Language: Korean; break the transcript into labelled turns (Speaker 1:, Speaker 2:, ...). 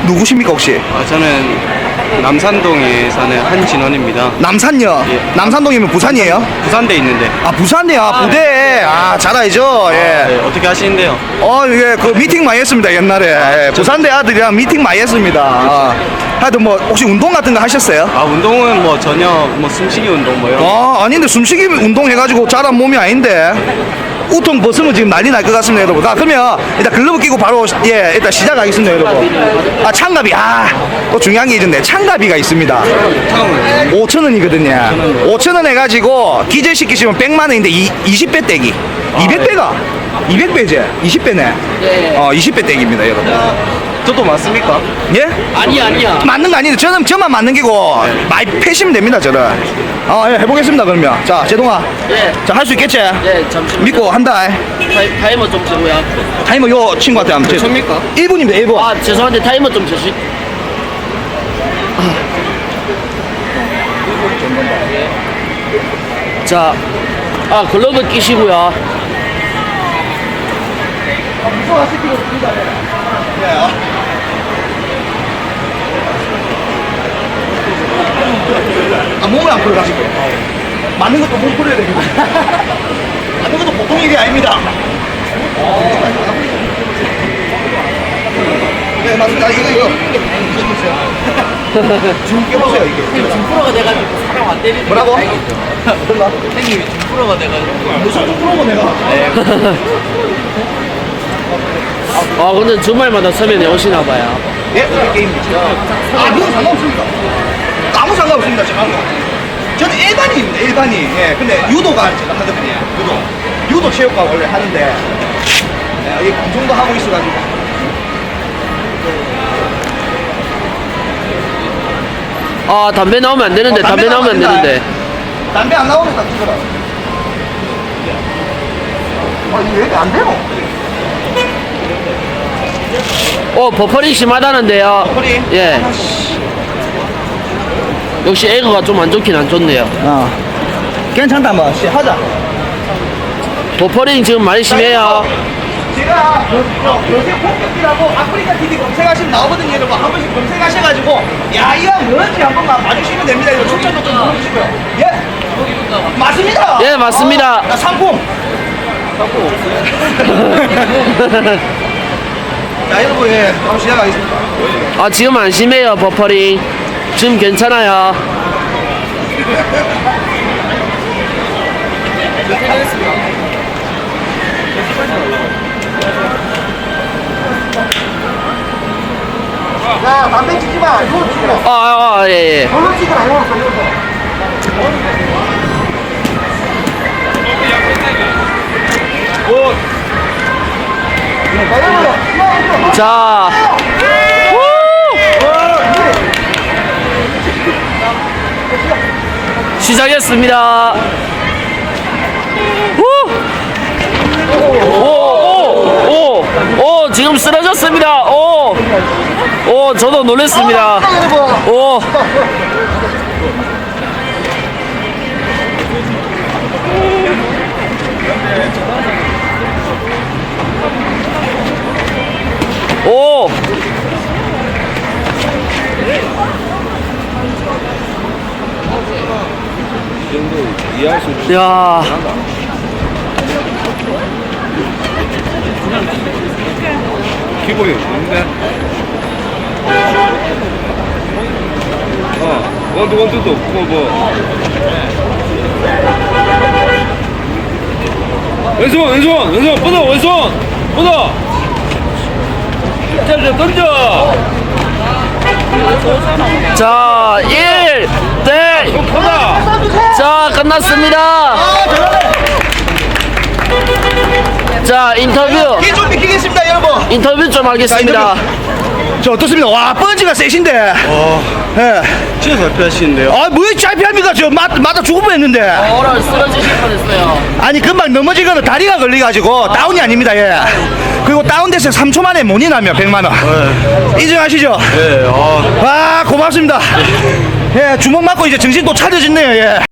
Speaker 1: 누구십니까 혹시?
Speaker 2: 저는 남산동에 사는 한진원입니다.
Speaker 1: 남산요?
Speaker 2: 예.
Speaker 1: 남산동이면 부산이에요?
Speaker 2: 부산대 있는데.
Speaker 1: 아 부산이요? 아, 부대. 아 잘 알죠. 예.
Speaker 2: 네, 어떻게 하시는데요?
Speaker 1: 예, 그 미팅 많이 했습니다 옛날에. 예, 부산대 아들이랑 미팅 많이 했습니다. 하여튼 뭐 혹시 운동 같은 거 하셨어요?
Speaker 2: 운동은 뭐 전혀 뭐 숨쉬기 운동 뭐 이런 거.
Speaker 1: 아닌데 숨쉬기 운동 해가지고 자란 몸이 아닌데. 우통 벗으면 지금 난리 날 것 같습니다 여러분. 그러면 일단 글러브 끼고 바로 일단 시작하겠습니다 여러분. 창갑이 또 중요한 게 있는데 창갑이가 있습니다. 5,000원이거든요 5,000원 해가지고 기절시키시면 100만원인데 20배 떼기 200배가 200배지 20배네.
Speaker 3: 네.
Speaker 1: 20배 떼기입니다 여러분.
Speaker 2: 저도 맞습니까?
Speaker 1: 예?
Speaker 3: 아니야.
Speaker 1: 맞는 거 아닌데 저만 맞는 게고 많이 패시면 됩니다 저는. 예, 해보겠습니다 그러면. 자 제동아.
Speaker 3: 예.
Speaker 1: 자 할 수 있겠지?
Speaker 3: 네, 잠시만요.
Speaker 1: 믿고 한다.
Speaker 3: 타이머 좀 재고요.
Speaker 1: 타이머 요 친구한테 한번
Speaker 2: 몇 초입니까?
Speaker 1: 1분입니다 1분.
Speaker 3: 죄송한데 타이머 좀 재시. 자, 글러브 끼시고요.
Speaker 1: 몸을 안 풀어가지고 맞는 것도 못 풀어야 되거든요. 맞는 것도 보통 일이 아닙니다. 네 맞습니다. 이거 지금 깨보세요 이게.
Speaker 3: 중프로가 돼가지고 사람 안 때리는.
Speaker 1: 뭐라고?
Speaker 3: 뭔가? 형님이 중프로가 돼가지고.
Speaker 1: 무슨 좀 풀어봐 내가.
Speaker 3: 근데 주말마다 서면에 오시나 봐요.
Speaker 1: 예? 어떻게 게임이지? 그건 상관없습니다. 아무 상관없습니다 지금. 저는 일반인입니다 일반인. 예 근데 유도가 제가 하거든요. 유도 체육과 원래 하는데 이 방송도 하고 있어가지고.
Speaker 3: 담배 나오면 안 되는데, 담배 나오면 안 되는데.
Speaker 1: 담배 안 나오면 딱 찍어라. 이게 왜 이렇게 안 돼요?
Speaker 3: 버퍼링 심하다는데요.
Speaker 1: 버퍼링?
Speaker 3: 예. 역시 에그가 좀 안 좋긴 안 좋네요.
Speaker 1: 괜찮다 한번 하자.
Speaker 3: 버퍼링 지금 많이 심해요.
Speaker 1: 제가 요새 폰격이라고 아프리카 TV 검색하시면 나오거든요 여러분. 한 번씩 검색하셔가지고 이왕 뭔지 한 번만 봐주시면 됩니다. 이거 추천도 좀 눌러주시고요. 예? 맞습니다.
Speaker 3: 예, 맞습니다.
Speaker 1: 상품. 자 여러분 한번 시작하겠습니다.
Speaker 3: 지금 안 심해요, 버퍼링. 지금 괜찮아요.
Speaker 1: 자 담배 찍지 마. 이거 찍어.
Speaker 3: 예.
Speaker 1: 이걸로 찍어라. 이걸로
Speaker 3: 자. 시작했습니다. 지금 쓰러졌습니다. 저도 놀랐습니다. 야.
Speaker 2: 기본이 좋은데. 원투도 뭐. 왼손 뻗어 뻗어. 자 던져.
Speaker 3: 자, 1대. 자, 끝났습니다. 자, 인터뷰.
Speaker 1: 좀 비키겠습니다 여러분.
Speaker 3: 인터뷰 좀 하겠습니다.
Speaker 1: 저 어떻습니까? 와 펀치가 세신데. 예.
Speaker 2: 진짜 잘 피하시는데요.
Speaker 1: 뭐 짧피합니까? 저 맞아 죽을 뻔했는데.
Speaker 3: 오늘 쓰러지실 뻔했어요.
Speaker 1: 아니 금방 넘어지거나 다리가 걸려가지고 다운이 아닙니다. 예. 그리고 다운돼서 3초 만에 money 나면 100만 원. 인정하시죠?
Speaker 2: 네.
Speaker 1: 고맙습니다. 예 주먹 맞고 이제 정신 또 차려졌네요. 예.